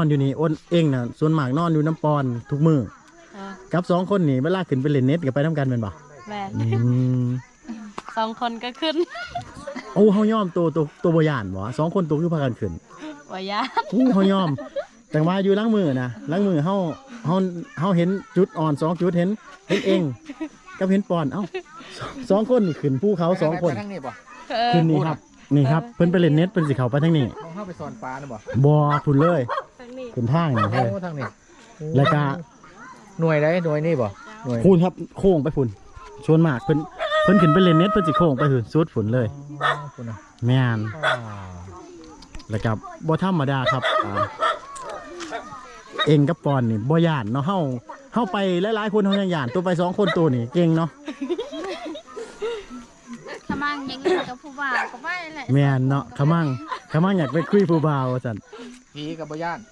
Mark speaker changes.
Speaker 1: อนอยู่นี่อ้นเองน่ะส่วนมากนอนอยู่น้ำปอนทุกมื้อกับ2คนนี่เวลาขึ้นไปเล่นเน็ตก็ไปนํกันแม่นบ่
Speaker 2: แม่น
Speaker 1: อืม
Speaker 2: 2 คนก็ขึ้น
Speaker 1: โอ้เฮายอมตัวบ่ย่านบ่2คนตัวคือพากันขึ้น
Speaker 2: ว่ายาน
Speaker 1: อู้เฮายอมแต่ว่าอยู่หล้างมือนะหล้างมือเฮาเห็นจุดอ่อน2จุดเห็นเองกับเห็นปอนเอ้าสองคนนี่ขึ้นภูเขา2คน
Speaker 3: ไปทางนี้บ่
Speaker 1: ขึ้นนี่ครับเพิ่นไปเล่นเน็ตเพิ่นสิเข้าไปทางนี้
Speaker 3: มองเข้าไปสอนปลาน่ะบ่
Speaker 1: บ่พุ่นเลย
Speaker 2: ทางนี้
Speaker 1: ขึ้นทางนี่เฮ้ย
Speaker 3: โอ้ทางนี้
Speaker 1: แล้วก็
Speaker 3: หน่วยใดหน่วยนี่บ่หน่วย
Speaker 1: พูนครับโค้งไปพุ่นชวนมากเพิ่นขึ้นไปเล่นเน็ตเพิ่นสิโค้งไปพุ่นสุดพุ่นเลย
Speaker 3: คุณน่ะ
Speaker 1: แม่น
Speaker 3: อ่า
Speaker 1: แล้วก็บ่ธรรมดาครับเองกับปอนนี่บ่ย่านเนาะเฮาไปหลายๆคนเฮายังย่านตัวไป2คนตัวนี่เก่งเนาะ
Speaker 4: ขมังยังอยู่กับผู้บ่าวก็ไม่แหละ
Speaker 1: แม่นเนาะขมังอยากไปคุยผู้บ่าวว่าซั่น
Speaker 3: ผีกับบ่ย่าน